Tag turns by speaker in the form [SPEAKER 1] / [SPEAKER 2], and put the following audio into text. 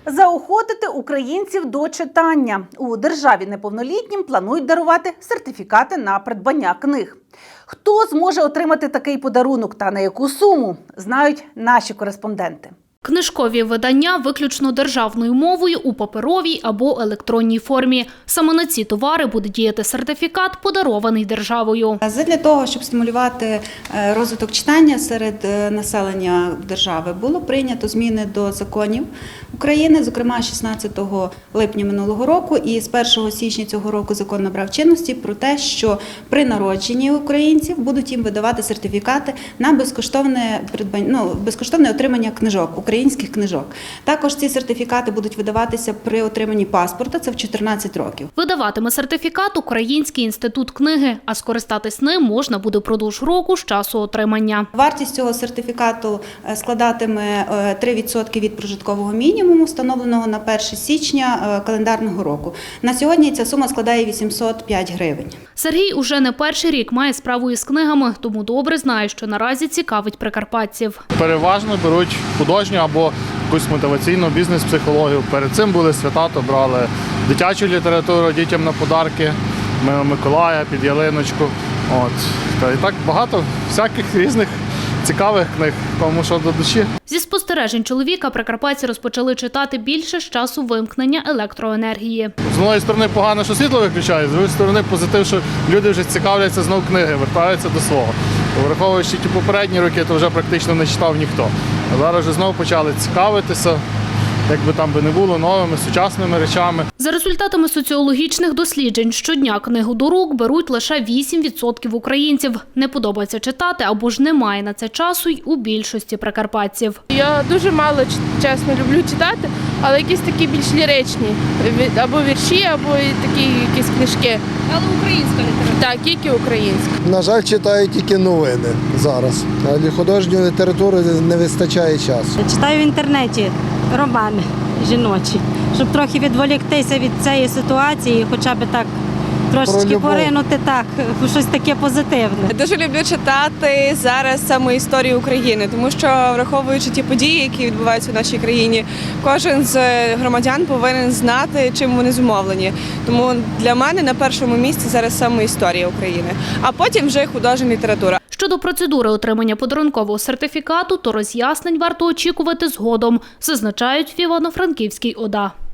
[SPEAKER 1] Заохотити українців до читання. У державі неповнолітнім планують дарувати сертифікати на придбання книг. Хто зможе отримати такий подарунок та на яку суму, знають наші кореспонденти.
[SPEAKER 2] Книжкові видання виключно державною мовою у паперовій або електронній формі. Саме на ці товари буде діяти сертифікат, подарований державою.
[SPEAKER 3] Задля того, щоб стимулювати розвиток читання серед населення держави, було прийнято зміни до законів України, зокрема 16 липня минулого року, і з 1 січня цього року закон набрав чинності про те, що при народженні українців будуть їм видавати сертифікати на безкоштовне отримання книжок, українських книжок. Також ці сертифікати будуть видаватися при отриманні паспорта, це в 14 років.
[SPEAKER 2] Видаватиме сертифікат Український інститут книги, а скористатись ним можна буде впродовж року з часу отримання.
[SPEAKER 3] Вартість цього сертифікату складатиме 3% від прожиткового мінімуму, встановленого на 1 січня календарного року. На сьогодні ця сума складає 805 гривень.
[SPEAKER 2] Сергій уже не перший рік має справу із книгами, тому добре знає, що наразі цікавить прикарпатців.
[SPEAKER 4] Переважно беруть художню або якусь мотиваційну бізнес-психологію. Перед цим були свята, то брали дитячу літературу дітям на подарки, Миколая, під ялиночку. Та і так багато всяких різних цікавих книг, кому що до душі.
[SPEAKER 2] Зі спостережень чоловіка прикарпатці розпочали читати більше з часу вимкнення електроенергії.
[SPEAKER 4] З однієї сторони погано, що світло виключають, з іншої сторони позитив, що люди вже цікавляться знову книги, вертаються до свого. Враховуючи ті попередні роки, то вже практично не читав ніхто. А зараз вже знову почали цікавитися, як би там не було, новими, сучасними речами.
[SPEAKER 2] За результатами соціологічних досліджень, щодня книгу до рук беруть лише 8% українців. Не подобається читати або ж немає на це часу й у більшості прикарпатців.
[SPEAKER 5] Я дуже мало, чесно, люблю читати, але якісь такі більш ліричні, або вірші, або такі якісь книжки.
[SPEAKER 2] Але українська література?
[SPEAKER 5] Так, тільки українська.
[SPEAKER 6] На жаль, читаю тільки новини зараз. А для художньої літератури не вистачає часу.
[SPEAKER 7] Читаю в інтернеті романи жіночі, щоб трохи відволіктися від цієї ситуації, хоча б так трошечки поринути в щось таке позитивне.
[SPEAKER 8] Дуже люблю читати зараз саме історію України, тому що, враховуючи ті події, які відбуваються в нашій країні, кожен з громадян повинен знати, чим вони зумовлені. Тому для мене на першому місці зараз саме історія України, а потім вже художня література.
[SPEAKER 2] Щодо процедури отримання подарункового сертифікату, то роз'яснень варто очікувати згодом, зазначають в Івано-Франківській ОДА.